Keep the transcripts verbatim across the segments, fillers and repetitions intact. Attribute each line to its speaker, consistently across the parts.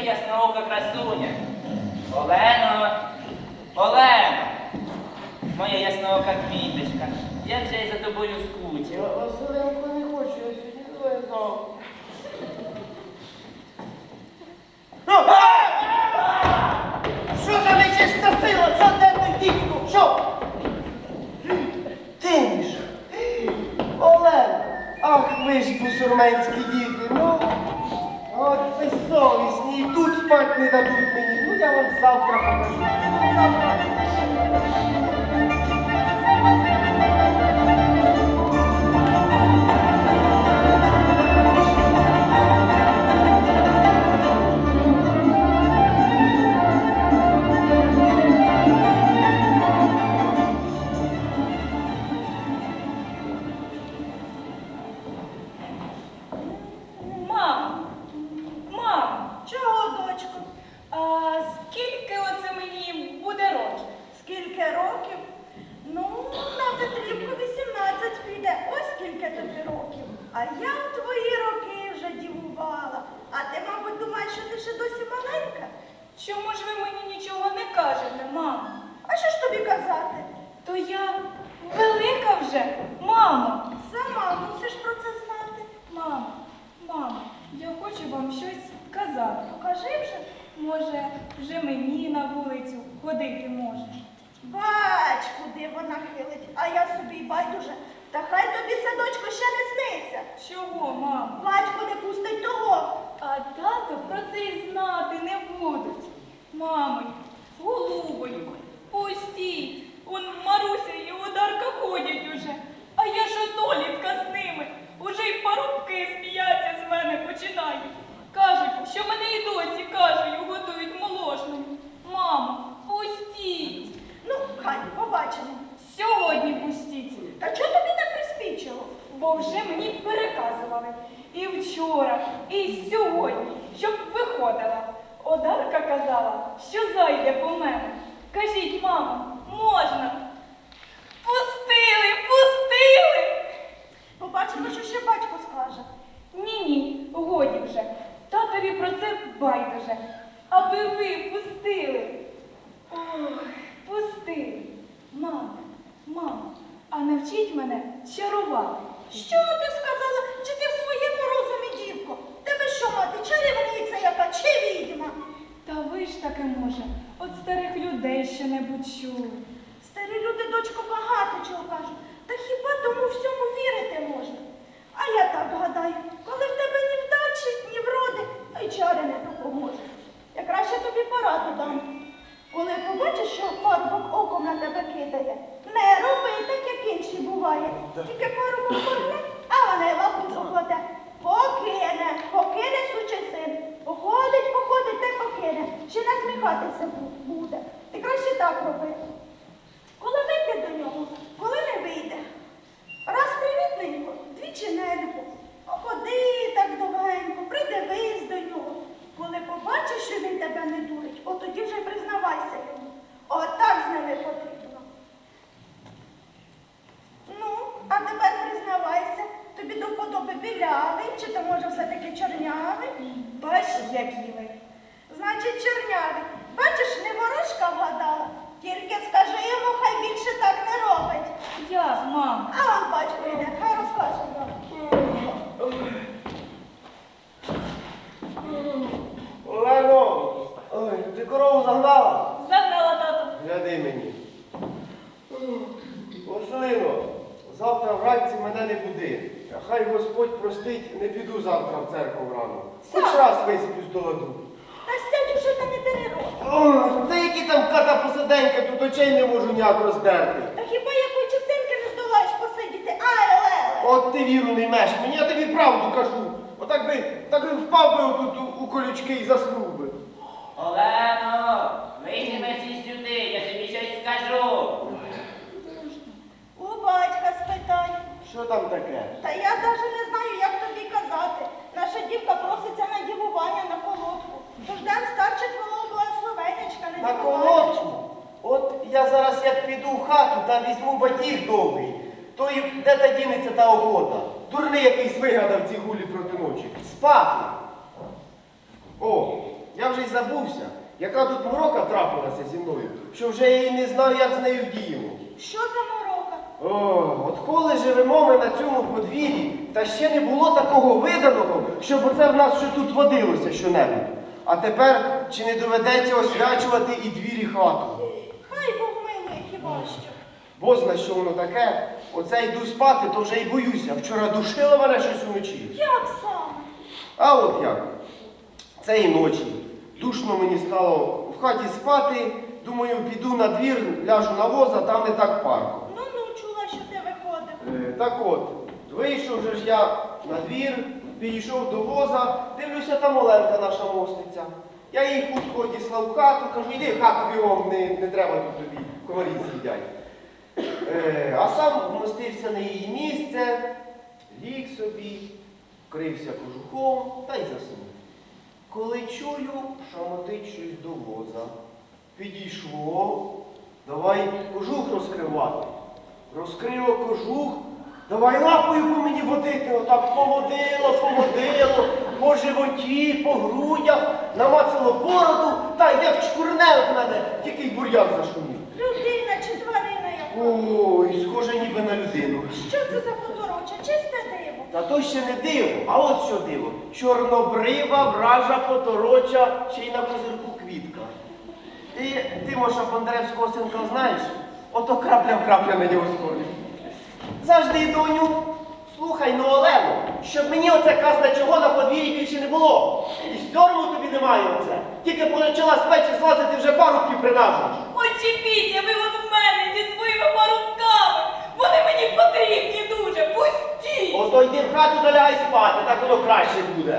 Speaker 1: ясноока красуня. Олено, Олено, моя ясноока квіточка, як же я за тобою скучив.
Speaker 2: Я Василенко не хочу, я сьогодні визнав. Що за нечиста сила? Що де той дідько? Що? Ти ж? Олена, ах ви ж бусурменські діти, ну. От безсовісні, і тут спать не дадуть мені. Ну я вам завтра покажу. Ну, завтра.
Speaker 3: А я в твої роки вже дівувала. А ти, мабуть, думаєш, що ти ще досі маленька?
Speaker 4: Чому ж ви мені нічого не кажете, мамо?
Speaker 3: А що ж тобі казати?
Speaker 4: То я велика вже, мамо.
Speaker 3: Сама мусиш про це знати.
Speaker 4: Мамо, мамо, я хочу вам щось сказати.
Speaker 3: Покажи вже.
Speaker 4: Може, вже мені на вулицю ходити можна.
Speaker 3: Бач, куди вона хилить, а я собі й байдуже. Та хай тобі, садочко, ще не сниться.
Speaker 4: Чого, мамо?
Speaker 3: Батько не пустить того.
Speaker 4: А тато про це й знати не будуть. Мамо, голубонько, пустіть. Он Маруся і Одарка ходять уже. А я ж однолітка з ними. Уже й парубки сміяться з мене починають. Кажуть, що мене і досі кашею готують молочною. Мамо, пустіть.
Speaker 3: Ну, хай, побачимо.
Speaker 4: Сьогодні пустіть.
Speaker 3: Та чого тобі так приспічило?
Speaker 4: Бо вже мені переказували і вчора, і сьогодні, щоб виходила. Одарка казала, що зайде по мене. Кажіть, мамо, можна? Пустили, пустили!
Speaker 3: Побачимо, що ще батько скаже.
Speaker 4: Ні-ні, годі вже. Татові про це байдуже. Аби ви пустили. Ох, пустили. Мамо, мамо, а навчіть мене чарувати.
Speaker 3: Що ти сказала? Чи ти в своєму розумі, дівко? Тебе що, мати, чарівниця яка, чи відьма?
Speaker 4: Та ви ж таки, може, от старих людей що-небудь чули.
Speaker 3: Старі люди, дочко, багато чого кажуть. Та хіба тому всьому вірити можна? А я так гадаю, коли в тебе ні вдачі, ні вроди, а й чари не допоможуть. Я краще тобі пораду дам. Коли побачиш, що парубок оком на тебе кидає, не роби так, як інші буває. Тільки парубок корне, а вона й лапу покладе. Покине, покине сучий син. Походить, походить, та й покине. Ще насміхатися буде. Ти краще так роби. Коли вийде до нього, коли не вийде. Раз привітненько, двічі нелюбо. Ходи так довгенько, придивись до нього. Коли побачиш, що він тебе не дурить, от тоді вже й признавайся йому. Отак з ними потрібно. Ну, а тепер признавайся, тобі до вподоби білявий, чи то може все-таки чорнявий?
Speaker 4: Бач, які ви.
Speaker 3: Значить, чорнявий. Бачиш, не ворожка вгадала. Тільки скажи йому, хай більше так не робить.
Speaker 4: Як, мамо?
Speaker 3: А он батько йде, хай розкаже вам.
Speaker 2: Олено, ой, ти корову загнала?
Speaker 4: Загнала, тато.
Speaker 2: Гляди мені. Василино, завтра вранці мене не буди. Хай Господь простить, не піду завтра в церкву рано. Хоч
Speaker 3: Сам.
Speaker 2: раз висиплюсь до ладу.
Speaker 3: Та сядь уже та не дери рот.
Speaker 2: Ой, та які там ката посиденька, тут очей не можу ніяк роздерти.
Speaker 3: Та хіба якої часинки не здолаєш посидіти? Ай, леле!
Speaker 2: От ти віру не ймеш мені, я тобі правду кажу. Отак би, так би впав би отут у, у колючки і заснув би.
Speaker 1: Олено, вийди мерсі сюди, я тобі щось скажу.
Speaker 3: У батька спитай.
Speaker 2: Що там таке?
Speaker 3: Та я навіть не знаю, як тобі казати. Наша дівка проситься на дівування на колодку. Тож дам старче твого благословенечка на
Speaker 2: На
Speaker 3: дівування.
Speaker 2: колодку? От я зараз як піду в хату та візьму батіг довгий, то і де та дінеться та охота? Дурний якийсь вигадав ці гулі проти ночі. Спати. О, Я вже й забувся, яка тут морока трапилася зі мною, що вже я й не знаю, як з нею вдіємо.
Speaker 3: Що за морока?
Speaker 2: О, от коли живемо ми на цьому подвір'ї, та ще не було такого виданого, щоб оце в нас ще тут водилося щонебудь. А тепер чи не доведеться освячувати і двір, і хату?
Speaker 3: Хай Бог милує, хіба що.
Speaker 2: Бо зна, що воно таке, оце йду спати, то вже й боюся. Вчора душило мене щось уночі.
Speaker 3: Як саме?
Speaker 2: А от як? Це і ночі. Душно мені стало в хаті спати, думаю, піду на двір, ляжу на воза, там не так парко.
Speaker 3: Ну-ну, чула, що ти виходив.
Speaker 2: Е, так от, вийшов же ж я на двір, підійшов до воза, дивлюся, там Оленка наша мостиця. Я їй хутко одіслав в хату, кажу, йди в хату бігом, не, не треба тут тобі, комарі з'їдять. Е, а сам вмостився на її місце, ліг собі, вкрився кожухом та й заснув. Коли чую, шамотить щось до воза. Підійшло, давай кожух розкривати. Розкрило кожух, давай лапою по мені водити, отак поводило, поводило, по животі, по грудях, намацало бороду, та як чкурне в мене, тільки й бур'ян зашумів.
Speaker 3: Людина чи тварина яка?
Speaker 2: Ой, схоже ніби на людину.
Speaker 3: Що це за потороча? Чисте диво.
Speaker 2: Та то ще не диво, а от що диво. Чорнобрива, вража, потороча, ще й на козирку квітка. Ти, ти, Моша, Бондаревського синка знаєш? Ото крапля в крапля на нього сходить. Завжди, доню, слухай, ну, Олено, щоб мені оце казна чого на подвір'ї більше не було. І сьорму тобі немає оце. Тільки почала з печі злазити, вже парубків принажуєш.
Speaker 4: Очіпіться ви от в мене зі своїми парубками. Вони мені потрібні дуже. Пустіть!
Speaker 2: Ото йди в хату та лягай спати, так воно краще буде.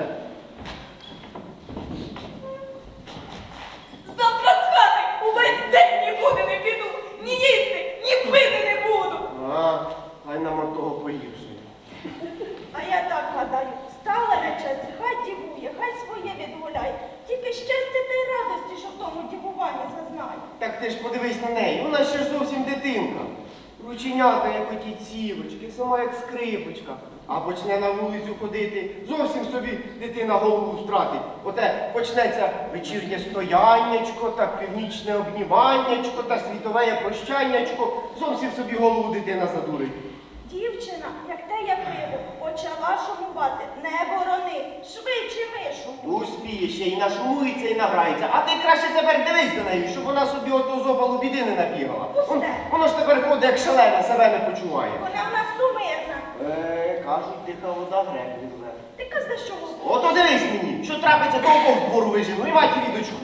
Speaker 4: Завтра з хати увесь день нікуди не піду. Ні їсти, ні пити не буду.
Speaker 2: А, хай нам от того погіршує.
Speaker 3: А я так гадаю, стала речеться, хай дівує, хай своє відгуляє. Тільки щастя та й радості, що в тому дівуванні зазнає.
Speaker 2: Так ти ж подивись на неї, вона ще ж зовсім дитинка. Рученята, як оті цівочки, сама як скрипочка. А почне на вулицю ходити, зовсім собі дитина голову втратить. Оте почнеться вечірнє стояннячко, та північне обніманнячко, та світове прощаннячко. Зовсім собі голову дитина задурить.
Speaker 3: Дівчина, як те я пиво, почала шумувати. Не борони, швидше вишумуй.
Speaker 2: Успіє ще і нашумується, і награється. А ти краще тепер дивись на неї, щоб вона собі ото зобалу біди не набігала. Вон-
Speaker 3: Пусте.
Speaker 2: Воно ж тепер ходить, як шалене, себе не почуває.
Speaker 3: Вона в нас сумирна.
Speaker 2: Е, кажуть, тиха вода грек відле.
Speaker 3: Ти казна, що говориш?
Speaker 2: Ото дивись мені, що трапиться, то обох з двору вижену, і матері дочку.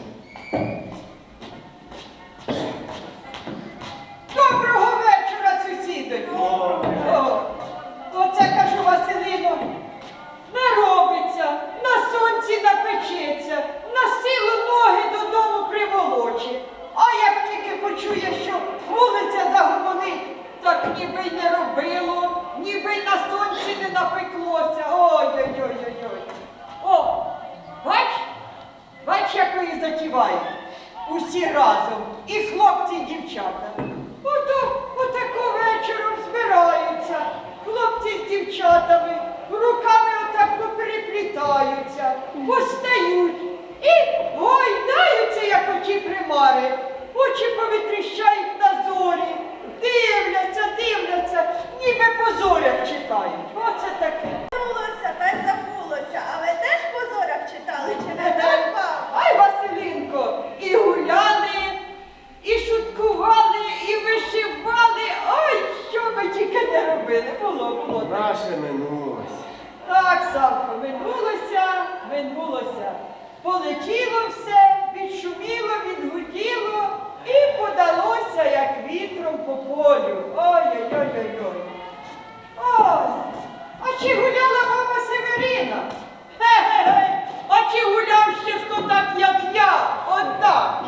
Speaker 5: Доброго вечора, сусіди! О, оце, кажу, Василино, наробиться, на сонці напечеться, на силу ноги додому приволоче. А як тільки почує, що вулиця загомонить, так ніби й не робило, ніби й на сонці не напеклося. Ой-ой-ой-ой-ой. О, бач, бач, якої затіває. Усі разом, і хлопці, і дівчата. Ото, отако вечором збираються, хлопці з дівчатами, руками отак попереплітаються, постають і гойдаються, як оті примари, очі повитріщають на зорі, дивляться, дивляться, ніби по зорях читають. Оце таке.
Speaker 3: Забулося, та й забулося. А ви теж по зорях читали, чи не так, пап?
Speaker 5: Ай, Василинко, і гуляли, і шуткували, і вишивали. Ой, що ми тільки не робили. Було, було. так.
Speaker 2: Наше минулось.
Speaker 5: Так, Савко, минулося, минулося. Полетіло все, відшуміло, відгуділо і подалося, як вітром по полю. Ой-ой-ой-ой-ой. Ой, а чи гуляла баба Северина? Ге-ге-ге, а чи гуляв ще хто так, як я? От так.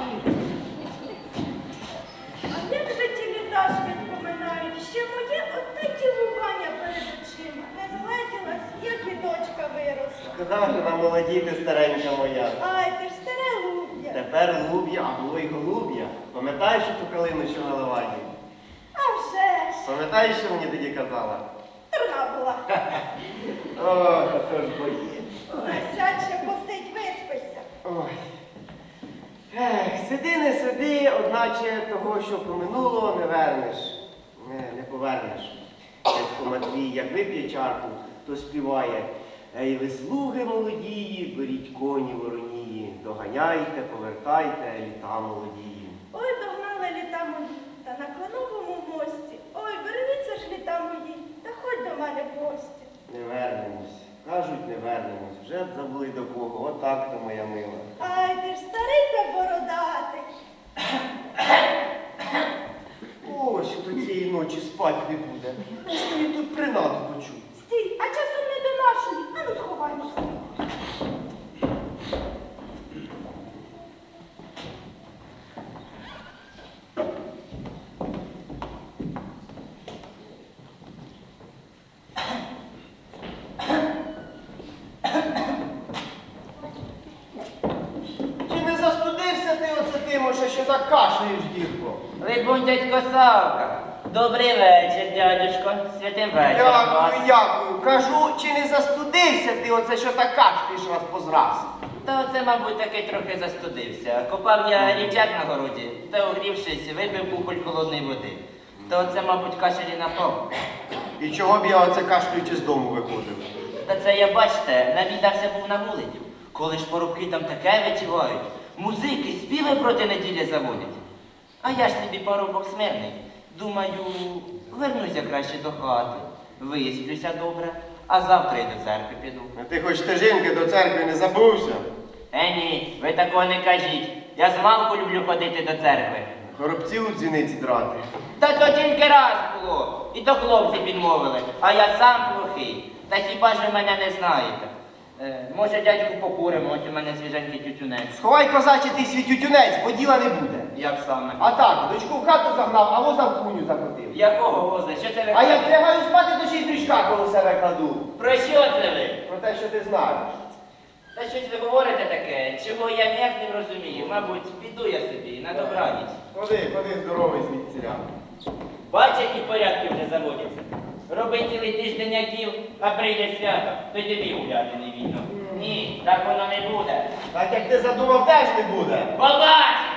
Speaker 3: А як же ті літа швидко минають? Ще моє оте дівування перед очима. Не злетілась, як і дочка виросла.
Speaker 2: Шкода, що вона молодіти, старенька моя.
Speaker 3: Ай, ти ж старе луб'я.
Speaker 2: Тепер луб'я, а було й голуб'я. Пам'ятаєш ту калину, що на леваді?
Speaker 3: А вже ж.
Speaker 2: Пам'ятаєш, що мені тоді казала?
Speaker 3: Дурна була.
Speaker 2: О, то ж бої.
Speaker 3: Сядь ще посидь, виспися.
Speaker 2: Ой, сиди, не сиди, одначе того, що поминуло, не вернеш. Не, не повернеш. Дядько Матвій, як вип'є чарку, то співає. Ей, ви слуги молодії, беріть коні воронії, доганяйте, повертайте літа молодії.
Speaker 3: Ой, догнали літа мої, та на Клановому мості. Ой, верніться ж літа мої, та ходь до мене в гості.
Speaker 2: Не вернемось. Кажуть, не вернемось. Вже б забули до кого. Отак то, моя мила.
Speaker 3: Ай, ти ж старий та бородатий.
Speaker 2: Ось то цієї ночі спать не буде. Що він тут принаду почув?
Speaker 3: Стій, а часом не до нашої. Ану, сховаймося.
Speaker 2: Чи не застудився ти оце Тимоше, що так кашляєш, дівко?
Speaker 1: Либонь, дядько Савка. Добрий вечір, дядюшко. Святим вечором вас.
Speaker 2: Дякую, дякую. Кажу, чи не застудився ти оце, що так кашляєш раз позраз?
Speaker 1: Та оце, мабуть, таки трохи застудився. Копав я рівчак на городі, та огрівшись, випив кухоль холодної води. Та оце, мабуть, кашель і напав.
Speaker 2: І чого б я оце кашлюючи з дому виходив?
Speaker 1: Та це я, бачите, навідався був на вулицю. Коли ж порубки там таке витівають, музики, співи проти неділі заводять. А я ж собі парубок смирний. Думаю, вернуся краще до хати, висплюся добре, а завтра й до церкви піду.
Speaker 2: А ти хоч стежинки до церкви не забувся?
Speaker 1: Е, ні, ви такого не кажіть. Я змалку люблю ходити до церкви.
Speaker 2: Горобців у дзвіниці драти.
Speaker 1: Та то тільки раз було, і то хлопці підмовили, а я сам плохий. Та хіба ж ви мене не знаєте? Е, може, дядьку покуримо, ось у мене свіженький тютюнець.
Speaker 2: Сховай, козаче, ти свій тютюнець, бо діла не буде.
Speaker 1: Як саме?
Speaker 2: А так, дочку в хату загнав, а воза в куню закотив.
Speaker 1: Якого воза? Що це ви?
Speaker 2: А як лягаю спати, то ще й дрючка коло себе кладу.
Speaker 1: Про що це ви?
Speaker 2: Про те, що ти знаєш.
Speaker 1: Та щось ви говорите таке, чого я ніяк не розумію. Мабуть, піду я собі на добраніч.
Speaker 2: Ходи, ходи здоровий звідсіля.
Speaker 1: Бач, які порядки вже заводяться. Роби цілий тиждень яків, а прийде свято, то й тобі гуляти не вільно. Ні, так воно не буде.
Speaker 2: Так як ти задумав, теж не буде.
Speaker 1: Побачимо!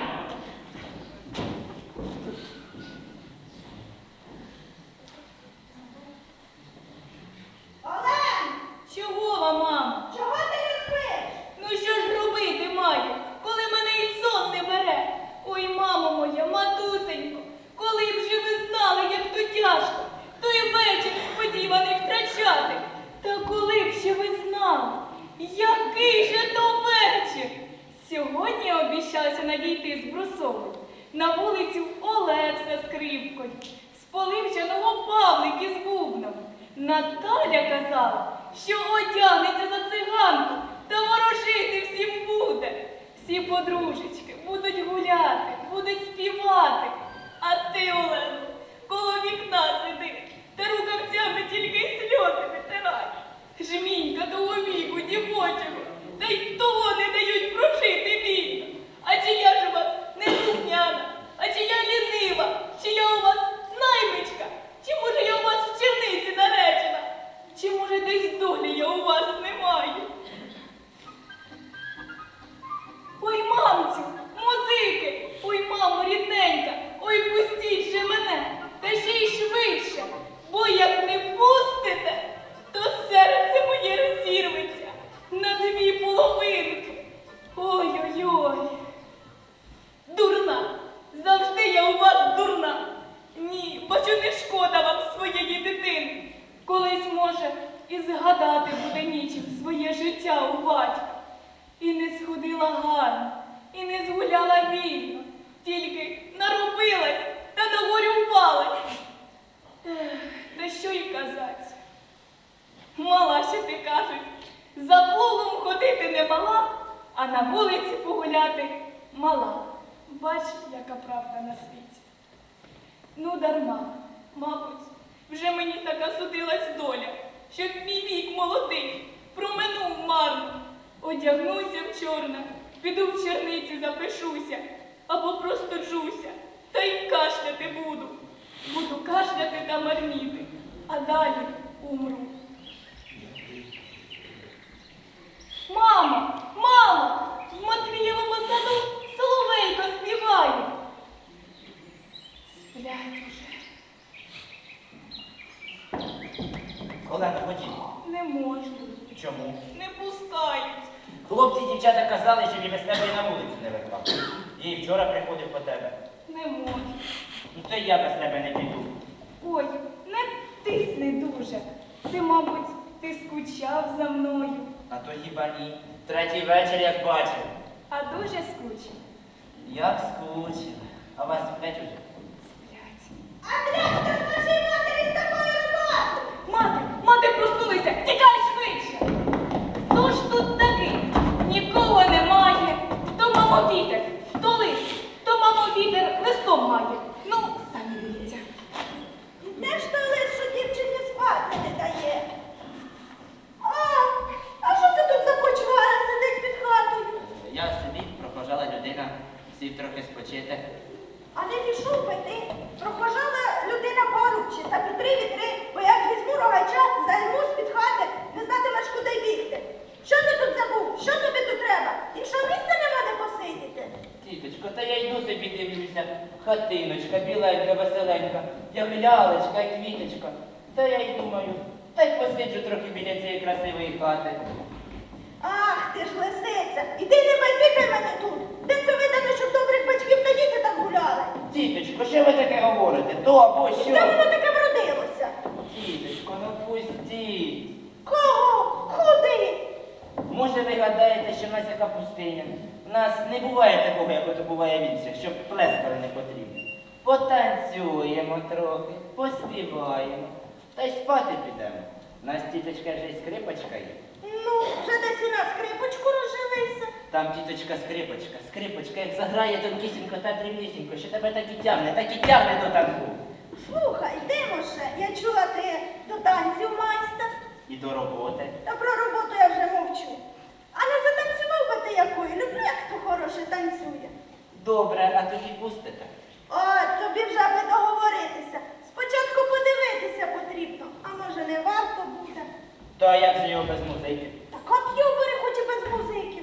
Speaker 3: Олен,
Speaker 4: Чого вам, мама?
Speaker 3: чого ти не спиш?
Speaker 4: Ну що ж робити маю, коли мене і сон не бере? Ой, мамо моя, матусенько, коли б же ви знали, як то тяжко, той вечір сподіваний втрачати. Та коли б ще ви знали, який же то вечір? Сьогодні я обіщався надійти з Брусової на вулицю Олекса скрипкою, з Поливчаного Павлик із бубном. Наталя казала, що одягнеться за циганку та ворожити всім буде. Всі подружечки будуть гуляти, будуть співати. А ти, Олено, коло вікна сиди, та рукавцями тільки й сльози витираєш. Жмінька того віку дівочого, та й того не дають прожити вільно. А чи я ж у вас неслухняна, а чи я лінива, чи я у вас наймичка, чи може я у вас в черниці наречена, чи може десь долі я у вас не маю. Ой, мамцю, музики, ой, мамо, рідненька, ой, пустіть же мене, та ще й швидше, бо як не пустите, то серце моє розірветься на дві половинки. Ой-ой-ой. Дурна, завжди я у вас дурна. Ні, бачу, не шкода вам своєї дитини. Колись, може, і згадати буде нічим своє життя у батька. І не сходила гарно, і не згуляла вільно, тільки наробилась та нагорювалась. Ех, та що й казать. Мала ще ти, кажуть, за плугом ходити не мала, а на вулиці погуляти мала. Бач, яка правда на світі. Ну, дарма, мабуть, вже мені така судилась доля, щоб мій вік молодий проминув марно. Одягнуся в чорне, піду в черниці запишуся, або просто джуся, та й кашляти буду. Буду кашляти та марніти, а далі умру. Мамо, мамо, в Матвієвому саду соловейко співає. пускають.
Speaker 1: Хлопці і дівчата казали, що і без тебе і на вулицю не виходав. Я і вчора приходив по тебе.
Speaker 4: Не можу.
Speaker 1: Ну то й я без тебе не піду.
Speaker 4: Ой, не тисни дуже. Це, мабуть, ти скучав за мною.
Speaker 1: А то хіба ні. Третій вечір, як бачив.
Speaker 4: А дуже скучив.
Speaker 1: Як скучив. А вас сплять уже?
Speaker 4: Сплять.
Speaker 3: Андрій, скажи матері з такою роботою!
Speaker 4: Мати, мати проснулися, тікай швидше. Хто ж тут такий? Нікого немає. То мамо вітер, то лист, то мамо вітер листом має. Ну, самі дивіться.
Speaker 3: Де ж той лист, що дівчині спати не дає? А, а що це тут за почвара сидить під хатою?
Speaker 1: Я собі прохожала людина, сів трохи спочити.
Speaker 3: А не пішов би ти. Прохожала людина поруччі та вітри вітри, бо як візьму рогача, займу з-під хати, не знатимеш, куди бігти. Що ти тут забув? Що тобі тут треба? Іншого місця нема де посидіти.
Speaker 1: Тіточко, та я йду собі дивлюся. Хатиночка, біленька, веселенька, як лялечка і квіточка. Та я й думаю, та й посиджу трохи біля цієї красивої хати.
Speaker 3: Ах, ти ж лисиця! Іди не базікай мене тут! Де це видано, щоб добрих батьків та діти так гуляли?
Speaker 1: Тіточко, що ви таке говорите? То або що?
Speaker 3: Де воно таке вродилося?
Speaker 1: Тіточко, ну пустіть.
Speaker 3: Кого? Куди?
Speaker 1: Може, ви гадаєте, що в нас яка пустиня? У нас не буває такого, як ото буває в інших, щоб плескали не потрібно. Потанцюємо трохи, поспіваємо, та й спати підемо. У нас тіточка вже й скрипочка є.
Speaker 3: Ну, вже десь і на скрипочку розжилися.
Speaker 1: Там тіточка скрипочка, скрипочка, як заграє тонкісінько та дрібнісінько, що тебе так і тягне, так і тягне до танку.
Speaker 3: Слухай, Тимоше, я чула, ти до танців майстер.
Speaker 1: І до роботи.
Speaker 3: Та про роботу я вже мовчу. А не затанцював би ти якою? Люблю, як хто хороше танцює.
Speaker 1: Добре, а тоді пустите.
Speaker 3: О, тобі вже би договоритися. Спочатку подивитися потрібно, а може не варто буде.
Speaker 1: То як же його без музики?
Speaker 3: Так от йобери, хоч і без музиків.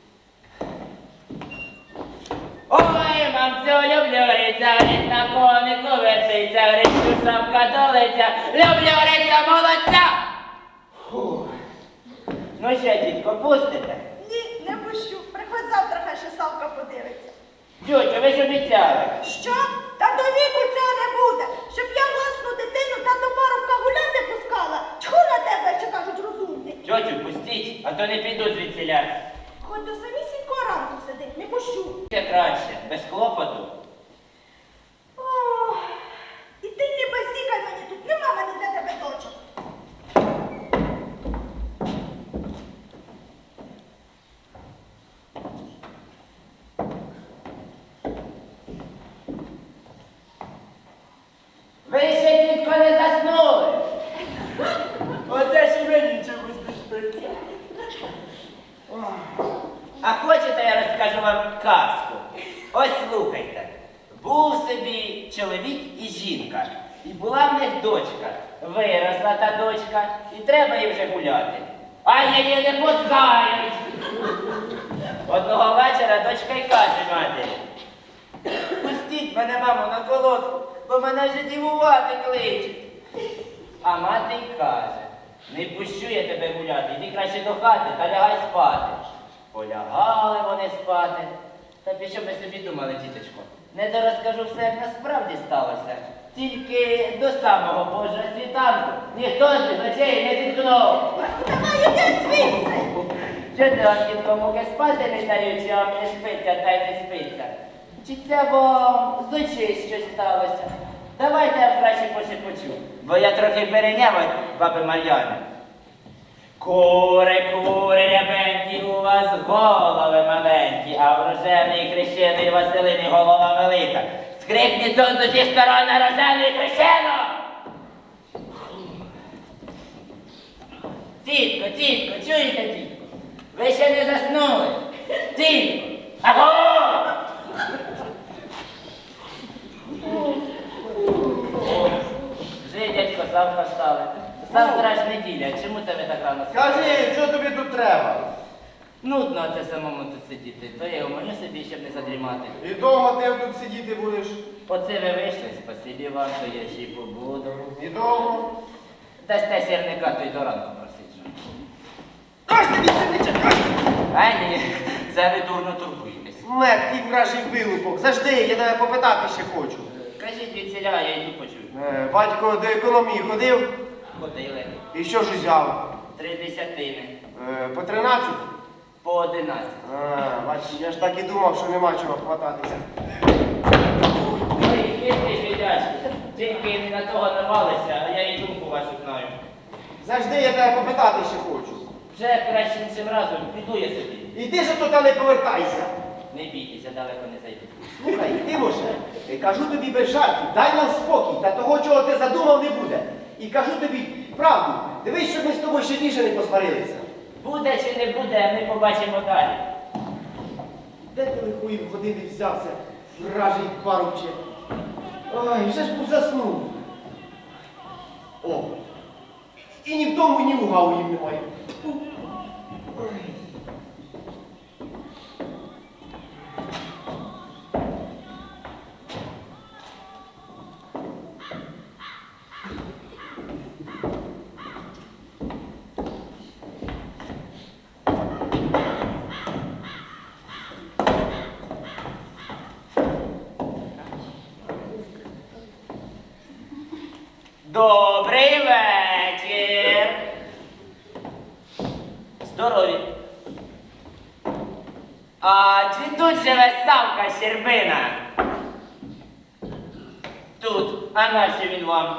Speaker 1: Ой, мамцю, люблю риця, рить на конику вертиться, рицю шапка долиця, люблю риця молодця! Фух. Ну що, дітко, пустите?
Speaker 3: Ні, не пущу. Приходь завтра, хай ще Савка подивиться.
Speaker 1: Тьотю, ви ж обіцяли.
Speaker 3: Що? Та до віку цього не буде. Щоб я власну дитину та до парубка гуляти пускала. Тьху на тебе, що кажуть, розумний.
Speaker 1: Тьотю, пустіть, а то не піду звідсіля.
Speaker 3: Хоч до самісінького ранку сидить, не пущу.
Speaker 1: Це краще, без клопоту.
Speaker 3: Ох, і ти не базікай мені тут, нема мене для тебе дочок.
Speaker 1: Ви ще, дітко, не заснули. Оце ж і мені чомусь не спиться. А хочете, я розкажу вам казку? Ось слухайте. Був собі чоловік і жінка. І була в них дочка. Виросла та дочка, і треба їй вже гуляти. А її не пускають. Одного вечора дочка й каже матері: пустіть мене, мамо, на колодку, бо мене вже дівувати кличуть. А мати й каже: не пущу я тебе гуляти, йди краще до хати та лягай спати. Полягали вони спати. Та пі що ви собі думали, тіточко? Не дорозкажу все, як насправді сталося. Тільки до самого Божого світанку ніхто з них очей не зіткнув.
Speaker 3: Давай іди звідси.
Speaker 1: Що це вам, дітко, муки спати не дають, чи вам не спиться та й не спиться? Чи це вам з очей щось сталося? Давайте я краще пошепочу, бо я трохи перейняв від баби Мар'яни. Кури, кури, рябенькі, у вас голови маленькі, а в рожевній хрещеної Василині голова велика. Скрипніть сон з усіх сторон на рожевний хрещено! Тітко, тітко, чуєте, тітко? Ви ще не заснули. Тітко! Аго! Вже дядько Савка встали. Завтра ж неділя, чому це ви так рано спали?
Speaker 2: Скажи, що тобі тут треба?
Speaker 1: Нудно це самому тут сидіти, то я умолю собі, щоб не задрімати.
Speaker 2: І довго ти тут сидіти будеш?
Speaker 1: Оце ви вийшли, спасибі вам, то я ще й побуду.
Speaker 2: І довго?
Speaker 1: Дасте сірника, то й до ранку просиджу.
Speaker 2: Кажете, вісернича, кажете!
Speaker 1: А ні, це ви дурно турбуєтесь.
Speaker 2: Мед, ти вражий вилупок. Завжди, я тебе попитати ще хочу.
Speaker 1: Кажіть від ціля, я йду почую.
Speaker 2: Е, батько до економії ходив
Speaker 1: Ходили.
Speaker 2: і що ж узяв?
Speaker 1: Три десятини.
Speaker 2: Е, по тринадцять?
Speaker 1: По одинадцять.
Speaker 2: А, бач, я ж так і думав, що нема чого хвататися.
Speaker 1: Ой, хитрий жидячий. Тільки не на того навалися, а я і думку вашу знаю.
Speaker 2: Завжди я тебе попитати ще хочу.
Speaker 1: Вже краще цим разом піду я собі.
Speaker 2: Іди ж тут, не повертайся.
Speaker 1: Не бійтеся, далеко не зайду.
Speaker 2: Слухай, Тимоше, е, кажу тобі без жартів, дай нам спокій, та того, чого ти задумав, не буде. І кажу тобі правду, дивись, щоб ми з тобою ще більше не посварилися.
Speaker 1: Буде чи не буде, ми побачимо далі.
Speaker 2: Де ти лихої години взявся, вражий парубче? Ой, вже ж був заснув. О, і ні в тому, ні в гаву їм немає. Ой.
Speaker 1: Добрий вечір. Здорові. А чи тут живе Савка Щербина? Тут. А нащо він вам?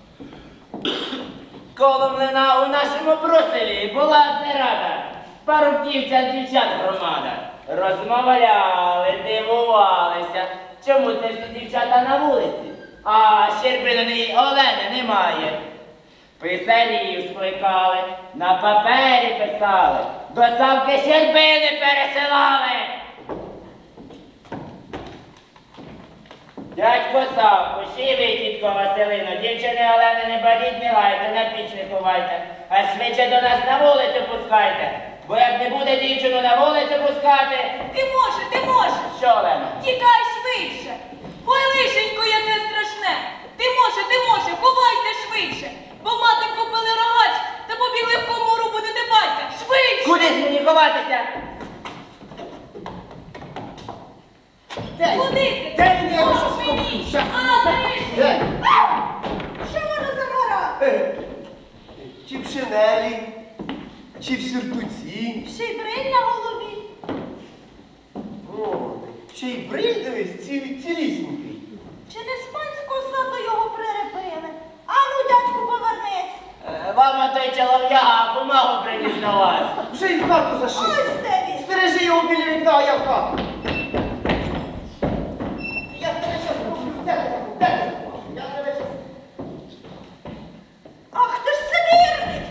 Speaker 1: Коло млина у нашому проселі була зрада. Парубківця дівчат громада. Розмовляли, дивувалися. Чому це всі дівчата на вулиці? А Щербиної Олени немає. Писарів скликали, на папері писали, до Савки Щербини пересилали. Дядько Савко, ще й ви, тітко Василино, дівчини Олени не бадіть, не лайте, на піч не ховайте, а швидше до нас на вулицю пускайте. Бо як не буде дівчину на вулицю пускати,
Speaker 4: Ти може, ти можеш.
Speaker 1: що, Олено?
Speaker 4: Тікай швидше. Ой, лишенько, яке страшне. Ти може, ти може, ховайся швидше. Бо мати купили рогач та побігли в комору будете батька. Швидше.
Speaker 1: Куди ж мені ховатися?
Speaker 2: Де?
Speaker 4: Куди ти?
Speaker 2: Де він? Я
Speaker 4: Ось
Speaker 2: щас
Speaker 4: мені.
Speaker 2: скажу. Щас.
Speaker 4: А, лишенько.
Speaker 2: Де?
Speaker 3: Що воно за гора?
Speaker 2: Е, Чи в шинелі, чи в сюртуці.
Speaker 3: Ще й бриль на голові.
Speaker 2: О, ще й бриль, дивись, ці, цілісінький.
Speaker 3: Чи не з панського саду його прирепили? Ану, дядьку, повернись.
Speaker 1: Е, Вам той чолов'яга бумагу приніс на вас.
Speaker 2: Вже й в хату зашив.
Speaker 3: Ось де він.
Speaker 2: Стережи його біля вікна, а я в хату. Я тебе щас роблю. Де ти? Де ти? Я тебе щас...
Speaker 3: Ах, ти ж сивірний.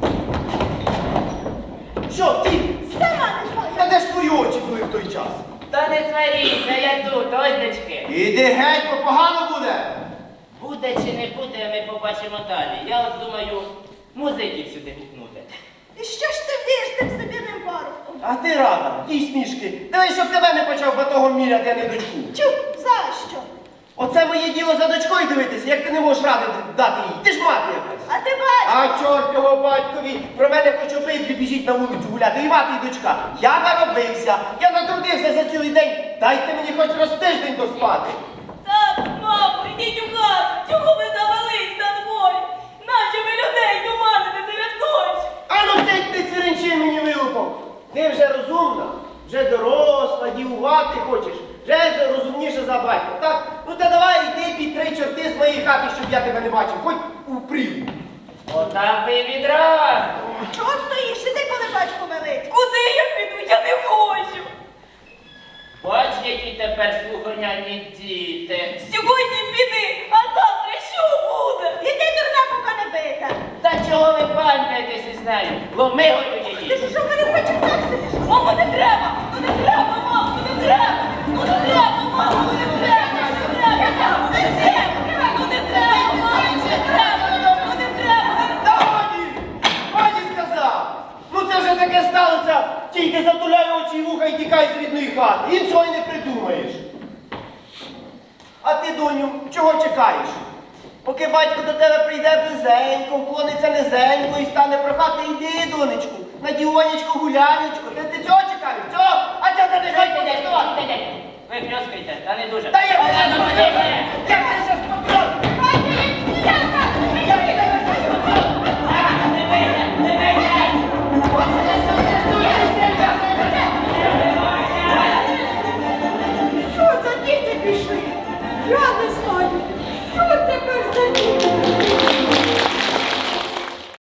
Speaker 2: Що, втік?
Speaker 3: Сама не знаю.
Speaker 2: Та де ж твої очі були в той час?
Speaker 1: Та не сваріться, я тут, ось дочки.
Speaker 2: Іди геть, бо погано буде.
Speaker 1: Буде чи не буде, ми побачимо далі. Я от думаю, музиків сюди гукнути.
Speaker 3: І що ж ти вдієш тим сибірним парубком?
Speaker 2: А ти рада, ті смішки. Давай, щоб тебе не почав батогом міряти, а не дочку.
Speaker 3: Чу, за що?
Speaker 2: Оце моє діло за дочкою дивитися, як ти не можеш ради дати їй. Ти ж мати якась.
Speaker 3: А ти бачиш?
Speaker 2: А чорт його батькові, про мене хоч обидві біжіть на вулицю гуляти, і мати, і дочка. Я наробився, я натрудився за цілий день. Дайте мені хоч раз тиждень доспати.
Speaker 4: Так, мамо, йдіть у хату. Чого ви завелись на дворі? Наче ви людей туманите серед ночі.
Speaker 2: А ну цей ти цвіринчи мені вилупок. Ти вже розумна, вже доросла, дівувати хочеш, вже розумніше за батька, так? Ну та давай йди під три чорти з моєї хати, щоб я тебе не бачив, хоч у прірву.
Speaker 1: Отак ви відразу.
Speaker 3: Чого стоїш? Іди, коли батько велить.
Speaker 4: Куди я піду? Я не хочу.
Speaker 1: Бач, які тепер слуханяні діти.
Speaker 4: Сьогодні піди, а завтра що буде?
Speaker 3: Іди, дурна, поки не бита.
Speaker 1: Та чого ви панькаєтесь із нею? Ломигою
Speaker 3: Ти
Speaker 1: її.
Speaker 3: ж що мене хочеш так сидиш?
Speaker 4: Мамо, не треба! Ну не треба, мамо, не треба! Ну не треба, мамо, ну не треба! Не треба, ну не треба! Ну не треба, мамо, не треба! Ну не треба!
Speaker 2: Та годі! Годі сказав! Ну це вже таке сталося, тільки затуляй очі і вуха і тікай з рідної хати. Іншого й не придумаєш. А ти, доню, чого чекаєш? Поки батько до тебе прийде близенько, вклониться низенько і стане прохати, йди, донечку, на Діонечко, гулянечко. Ти, ти цього чекаєш? Цього? А цього ти не
Speaker 1: Чуйте, дядько, чуйте, дядько. Ви хрьоскаєте, та не дуже.
Speaker 2: Та я
Speaker 1: Олено,
Speaker 2: не
Speaker 1: не дуже.
Speaker 2: Я не